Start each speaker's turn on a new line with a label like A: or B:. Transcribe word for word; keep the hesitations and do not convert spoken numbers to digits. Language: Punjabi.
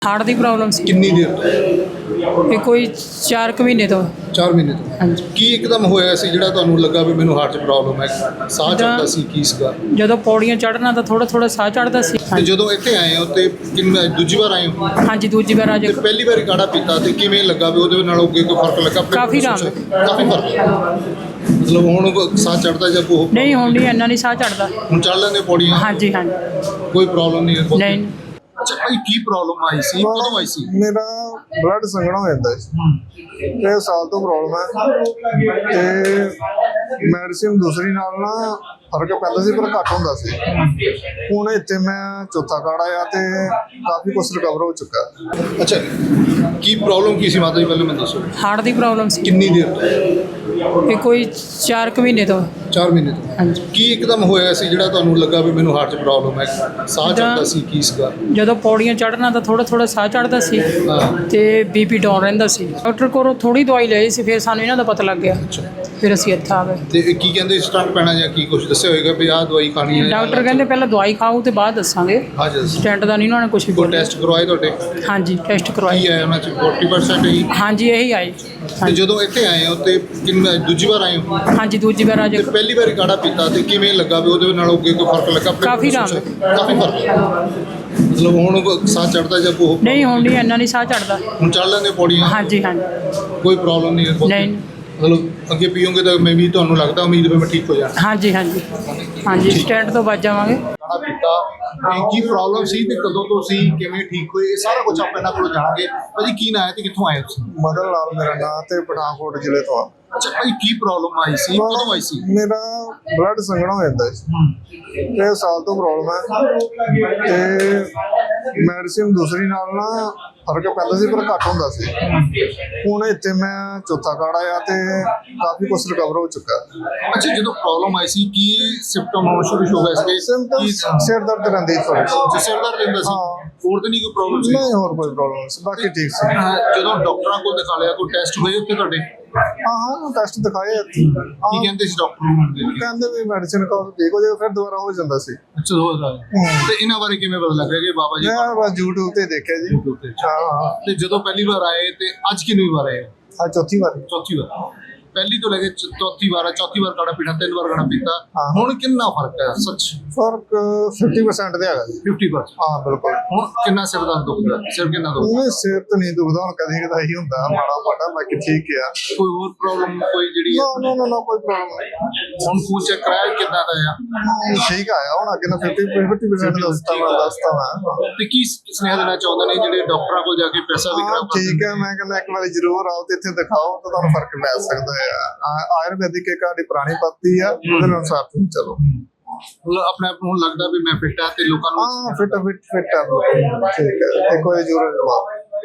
A: हार्ट की प्रॉब्लम सी
B: कितनी देर ਤੋਂ
A: ये कोई चार कुछ महीने तो
B: ਚਾਰ ਮਹੀਨੇ ਤੋਂ
A: हाँ जी
B: ਕੀ ਇੱਕਦਮ ਹੋਇਆ ਸੀ ਜਿਹੜਾ ਤੁਹਾਨੂੰ ਲੱਗਾ ਵੀ ਮੈਨੂੰ ਹਾਰਟ 'ਚ ਪ੍ਰੋਬਲਮ ਹੈ ਸਾਹ ਚੜਦਾ ਸੀ ਕੀ ਸੀਗਾ
A: ਜਦੋਂ ਪੌੜੀਆਂ ਚੜ੍ਹਨਾ ਤਾਂ ਥੋੜਾ ਥੋੜਾ ਸਾਹ ਚੜ੍ਹਦਾ ਸੀ
B: ਤੇ ਜਦੋਂ ਇੱਥੇ ਆਏ ਹੋ ਤੇ ਕਿੰਨਾ ਦੂਜੀ ਵਾਰ ਆਏ ਹੋ
A: ਹਾਂਜੀ ਦੂਜੀ ਵਾਰ ਅੱਜ
B: ਤੇ ਪਹਿਲੀ ਵਾਰੀ ਕਾੜਾ ਪੀਤਾ ਤੇ ਕਿਵੇਂ ਲੱਗਾ ਵੀ ਉਹਦੇ ਨਾਲ ਅੱਗੇ ਕੋਈ ਫਰਕ ਲੱਗਾ ਆਪਣੇ
A: ਕਾਫੀ
B: ਕੋਲ
A: ਆਰਾਮ
B: ਕਾਫੀ ਫਰਕ ਮਤਲਬ ਹੁਣ ਸਾਹ ਚੜਦਾ ਜਾਂ ਕੋਈ
A: ਨਹੀਂ ਹੁਣ ਨਹੀਂ ਇੰਨਾ ਨਹੀਂ ਸਾਹ ਚੜ੍ਹਦਾ
B: ਹੁਣ ਚੱਲ ਲੈਂਦੇ ਪੌੜੀਆਂ
A: ਹਾਂਜੀ ਹਾਂਜੀ
B: ਕੋਈ ਪ੍ਰੋਬਲਮ ਨਹੀਂ ਹੈ
A: ਨਹੀਂ
B: ਅੱਛਾ ਭਾਈ ਕੀ ਪ੍ਰੋਬਲਮ ਆਈ ਸੀ ਕਦੋਂ ਆਈ ਸੀ
C: ਮੇਰਾ ਬਲੱਡ ਸੰਘਣਾ ਹੋ ਜਾਂਦਾ ਸੀ ਇਹ ਸਾਲ ਤੋਂ ਪ੍ਰੋਬਲਮ ਹੈ ਤੇ ਮੈਡੀਸਿਨ ਦੂਸਰੀ ਨਾਲ ਨਾ ਫਰਕ ਪੈਂਦਾ ਸੀ ਪਰ ਘੱਟ ਹੁੰਦਾ ਸੀ ਹੁਣ ਇੱਥੇ ਮੈਂ ਚੌਥਾ ਕਾੜਾ ਆ ਤੇ ਕਾਫੀ ਕੁਛ ਰਿਕਵਰ ਹੋ ਚੁੱਕਾ।
B: ਅੱਛਾ ਕੀ ਪ੍ਰੋਬਲਮ ਕੀ ਸੀ ਮਾਤਾ ਜੀ ਪਹਿਲਾਂ ਮੈਨੂੰ ਦੱਸੋ
A: ਹਾਰਟ ਦੀ ਪ੍ਰੋਬਲਮ ਸੀ
B: ਕਿੰਨੀ ਦੇਰ ਤੋਂ
A: ਇਹ ਕੋਈ ਚਾਰ ਕੁ ਮਹੀਨੇ ਤੋਂ
B: ਚਾਰ ਮਹੀਨੇ ਤੋਂ
A: ਹਾਂਜੀ
B: ਕੀ ਇੱਕਦਮ ਹੋਇਆ ਸੀ ਜਿਹੜਾ ਤੁਹਾਨੂੰ ਲੱਗਾ ਵੀ ਮੈਨੂੰ ਹਾਰਟ 'ਚ ਪ੍ਰੋਬਲਮ ਹੈ ਸਾਹ ਚੜਦਾ ਸੀ ਕੀ ਸੀਗਾ
A: ਜਦੋਂ ਪੌੜੀਆਂ ਚੜ੍ਹਨਾ ਤਾਂ ਥੋੜਾ ਥੋੜਾ ਸਾਹ ਚੜ੍ਹਦਾ ਸੀ
B: ਹਾਂ
A: ਤੇ ਬੀਪੀ ਡਾਊਨ ਰਹਿੰਦਾ ਸੀ ਡਾਕਟਰ ਕੋਲੋਂ ਥੋੜੀ ਦਵਾਈ ਲਈ ਸੀ ਫਿਰ ਸਾਨੂੰ ਇਹਨਾਂ ਦਾ ਪਤਾ ਲੱਗ ਗਿਆ
B: ਅੱਛਾ
A: ਫਿਰ ਅਸੀਂ ਇੱਥੇ ਆ ਗਏ
B: ਤੇ ਇਹ ਕੀ ਕਹਿੰਦੇ ਸਟੰਟ ਪੈਣਾ ਜਾਂ ਕੀ ਕੁਝ ਦੱਸਿਆ ਹੋਏਗਾ ਵੀ ਆਹ ਦਵਾਈ ਖਾਣੀ ਹੈ
A: ਡਾਕਟਰ ਕਹਿੰਦੇ ਪਹਿਲਾਂ ਦਵਾਈ ਖਾਓ ਤੇ ਬਾਅਦ ਦੱਸਾਂਗੇ
B: ਹਾਂ ਜੀ
A: ਸਟੈਂਟ ਦਾ ਨਹੀਂ ਉਹਨਾਂ ਨੇ ਕੁਝ ਵੀ
B: ਕੋਈ
A: ਬੋਲਿਆ
B: ਟੈਸਟ ਕਰਵਾਏ ਤੁਹਾਡੇ
A: ਹਾਂਜੀ ਟੈਸਟ ਕਰਵਾਈ
B: ਕੀ ਆਇਆ ਉਹਨਾਂ 'ਚ ਚਾਲੀ ਪਰਸੈਂਟ ਹੀ
A: ਹਾਂਜੀ ਇਹੀ ਆਈ
B: ਤੇ
A: ਹਾਂਜੀ
B: ਜਦੋਂ ਇੱਥੇ ਆਏ ਹੋ ਤੇ ਕਿੰਨਾ ਦੂਜੀ ਵਾਰ ਆਏ ਹੋ
A: ਹਾਂਜੀ ਦੂਜੀ ਵਾਰ ਅੱਜ
B: ਤੇ ਪਹਿਲੀ ਵਾਰੀ ਕਾੜਾ ਪੀਤਾ ਤੇ ਕਿਵੇਂ ਲੱਗਾ ਵੀ ਉਹਦੇ ਨਾਲ ਅੱਗੇ ਕੋਈ ਫਰਕ ਲੱਗਾ ਆਪਣੇ
A: ਕਾਫੀ
B: ਕੋਲ
A: ਆਰਾਮ
B: ਕਾਫੀ ਫਰਕ ਮਤਲਬ ਹੁਣ ਸਾਹ ਚੜਦਾ ਜਾਂ ਕੋਈ
A: ਨਹੀਂ ਹੁਣ ਨਹੀਂ ਇੰਨਾ ਨਹੀਂ ਸਾਹ ਚੜ੍ਹਦਾ
B: ਹੁਣ ਚੱਲ ਲੈਂਦੇ ਪੌੜੀਆਂ
A: ਹਾਂਜੀ ਹਾਂਜੀ
B: ਕੋਈ ਪ੍ਰੋਬਲਮ ਨਹੀਂ ਹੈ
A: ਨਹੀਂ
B: ਮਤਲਬ ਅੱਗੇ ਪੀਓਗੇ ਤਾਂ ਮੈਂ ਵੀ ਤੁਹਾਨੂੰ ਲੱਗਦਾ ਉਮੀਦ ਵੀ ਮੈਂ ਠੀਕ ਹੋ ਜਾਣਾ
A: ਹਾਂਜੀ ਹਾਂਜੀ ਹਾਂਜੀ ਸਟੈਂਟ ਤੋਂ ਬਚ ਜਾਵਾਂਗੇ
B: ਕਾੜਾ ਪੀਤਾ ਇਹ ਕੀ ਪ੍ਰੋਬਲਮ ਸੀ ਤੇ ਕਦੋਂ ਤੋਂ ਸੀ ਕਿਵੇਂ ਠੀਕ ਹੋਏ ਇਹ ਸਾਰਾ ਕੁਝ ਆਪਾਂ ਇਹਨਾਂ ਕੋਲੋਂ ਜਾਣਾਂਗੇ ਭਾਜੀ ਕੀ ਨਾਂ ਹੈ ਤੇ ਕਿੱਥੋਂ ਆਏ ਤੁਸੀਂ
C: ਮਦਨ ਲਾਲ ਮੇਰਾ ਨਾਂ ਤੇ ਪਠਾਨਕੋਟ ਜ਼ਿਲ੍ਹੇ ਤੋਂ ਆ।
B: ਅੱਛਾ ਭਾਈ ਕੀ ਪ੍ਰੋਬਲਮ ਆਈ ਸੀ ਕਦੋਂ ਆਈ ਸੀ
C: ਮੇਰਾ ਬਲੱਡ ਸੰਘਣਾ ਹੋ ਜਾਂਦਾ ਸੀ ਇਹ ਸਾਲ ਤੋਂ ਪ੍ਰੋਬਲਮ ਹੈ ਤੇ ਮੈਡੀਸਿਨ ਦੂਸਰੀ ਨਾਲ ਨਾ ਫਰਕ ਪੈਂਦਾ ਸੀ ਪਰ ਘੱਟ ਹੁੰਦਾ ਸੀ ਹੁਣ ਇੱਥੇ ਮੈਂ ਚੌਥਾ ਕਾੜਾ ਆ ਤੇ ਕਾਫੀ ਕੁਛ ਰਿਕਵਰ ਹੋ ਚੁੱਕਾ।
B: ਅੱਛਾ ਜਦੋਂ ਪ੍ਰੋਬਲਮ ਆਈ ਸੀ ਕੀ ਸਿੰਪਟਮ ਆਉਣ ਸ਼ੁਰੂ ਹੋ ਗਏ ਸੀ
C: ਸਿੰਪਟਮ ਸਿਰ ਦਰਦ ਰਹਿੰਦੀ ਥੋੜੀ
B: ਜਿਸ ਸਿਰ ਦਰਦ ਰਹਿੰਦਾ ਸੀ
C: ਹਾਂ।
B: ਹੋਰ ਤਾਂ ਨਹੀਂ ਕੋਈ ਪ੍ਰੋਬਲਮ ਸੀ
C: ਨਹੀਂ ਹੋਰ ਕੋਈ ਪ੍ਰੋਬਲਮ ਸੀ ਬਾਕੀ ਠੀਕ ਸੀ।
B: ਹਾਂ, ਜਦੋਂ ਡਾਕਟਰਾਂ ਕੋਲ ਦਿਖਾ ਲਿਆ ਕੋਈ ਟੈਸਟ ਹੋਏ ਉੱਥੇ ਤੁਹਾਡੇ
C: ਹਾਂ ਹਾਂ ਟੈਸਟ ਦਿਖਾਏ ਇੱਥੇ।
B: ਕੀ
C: ਹਾਂ,
B: ਕਹਿੰਦੇ ਸੀ ਡਾਕਟਰ
C: ਕਹਿੰਦੇ ਵੀ ਮੈਡੀਸਿਨ ਖਾਓ ਠੀਕ ਹੋ ਜਾਏਗਾ ਫਿਰ ਦੁਬਾਰਾ ਹੋ ਜਾਂਦਾ ਸੀ।
B: ਅੱਛਾ ਹੋ ਰਿਹਾ ਤੇ ਇਹਨਾਂ ਬਾਰੇ ਕਿਵੇਂ ਪਤਾ ਲੱਗ ਰਿਹਾ ਕਿ ਬਾਬਾ ਜੀ
C: ਮੈਂ ਬਸ YouTube ਤੇ ਦੇਖਿਆ ਜੀ।
B: YouTube ਤੇ?
C: ਹਾਂ ਹਾਂ
B: ਤੇ ਜਦੋਂ ਪਹਿਲੀ ਵਾਰ ਆਏ ਤੇ ਅੱਜ ਕਿੰਨੀ ਵਾਰ ਆਏ
C: ਆ ਚੌਥੀ ਵਾਰ।
B: ਚੌਥੀ ਵਾਰ ਪਹਿਲੀ ਤੋਂ ਲੈ ਕੇ ਚ- ਚੌਥੀ ਵਾਰ ਆ, ਚੌਥੀ ਵਾਰ ਕਾੜਾ ਪੀਣਾ ਤਿੰਨ ਵਾਰ ਕਾੜਾ ਪੀਤਾ
C: ਹਾਂ।
B: ਹੁਣ ਕਿੰਨਾ ਫਰਕ ਹੈ ਸੱਚ
C: ਫਰਕ ਪਚਾਸ ਪਰਸੈਂਟ ਦੇ ਹੈਗਾ ਜੀ।
B: ਫਿਫਟੀ ਪਰਸੈਂਟ
C: ਹਾਂ ਬਿਲਕੁਲ।
B: ਹੁਣ ਕਿੰਨਾ ਸਿਰ ਦਰਦ ਦੁਖਦਾ ਸਿਰ ਕਿੰਨਾ ਦੁਖਦਾ
C: ਉਹਨੇ ਸਿਰ ਤੇ ਨਹੀਂ ਦੁਖਦਾ ਹੁਣ ਕਦੇ ਕਦਾਈ ਹੁੰਦਾ ਮਾੜਾ ਮਾੜਾ ਬਾਕੀ ਠੀਕ ਆ।
B: ਕੋਈ ਹੋਰ ਪ੍ਰੋਬਲਮ ਕੋਈ ਜਿਹੜੀ
C: ਨਾ
B: ਹੈ
C: ਨਾ ਨਾ ਨਾ ਕੋਈ ਪ੍ਰੋਬਲਮ ਨਹੀਂ।
B: ਹੁਣ ਖੂਨ ਚੈੱਕ ਕਰਾਇਆ ਕਿੰਨਾ ਦਾ ਆ
C: ਹਮ, ਠੀਕ ਆਇਆ ਹੁਣ ਅੱਗੇ ਨਾ ਪਚਾਸ ਪਰਸੈਂਟ ਦੱਸਤਾ ਵਾ ਦੱਸਤਾ ਵਾ।
B: ਤੇ ਕੀ ਸੁਨੇਹਾ ਦੇਣਾ ਚਾਹੁੰਦੇ ਨੇ ਜਿਹੜੇ ਡਾਕਟਰਾਂ ਕੋਲ ਜਾ ਕੇ ਪੈਸਾ ਵੀ
C: ਹਾਂ
B: ਖਰਾਬ ਕਰਦੇ
C: ਠੀਕ ਹੈ ਮੈਂ ਕਹਿੰਦਾ ਇੱਕ ਵਾਰੀ ਜ਼ਰੂਰ ਆਓ ਤੇ ਇੱਥੇ ਦਿਖਾਓ ਤਾਂ ਤੁਹਾਨੂੰ ਫਰਕ ਪੈ ਸਕਦਾ ਹੈ। ਆ- ਆਯੁਰਵੈਦਿਕ ਇੱਕ ਸਾਡੀ ਪੁਰਾਣੀ ਪੱਤੀ ਆ ਉਹਦੇ ਅਨੁਸਾਰ ਤੁਸੀਂ ਚਲੋ।
B: ਮਤਲਬ ਆਪਣੇ ਆਪ ਨੂੰ ਹੁਣ ਲੱਗਦਾ ਵੀ ਮੈਂ ਫਿੱਟ ਆ ਤੇ ਲੋਕਾਂ ਨੂੰ
C: ਹਾਂ ਫਿੱਟ ਫਿੱਟ ਫਿੱਟ ਆ ਠੀਕ ਹੈ ਇੱਕ ਵਾਰੀ ਜ਼ਰੂਰ ਆਓ।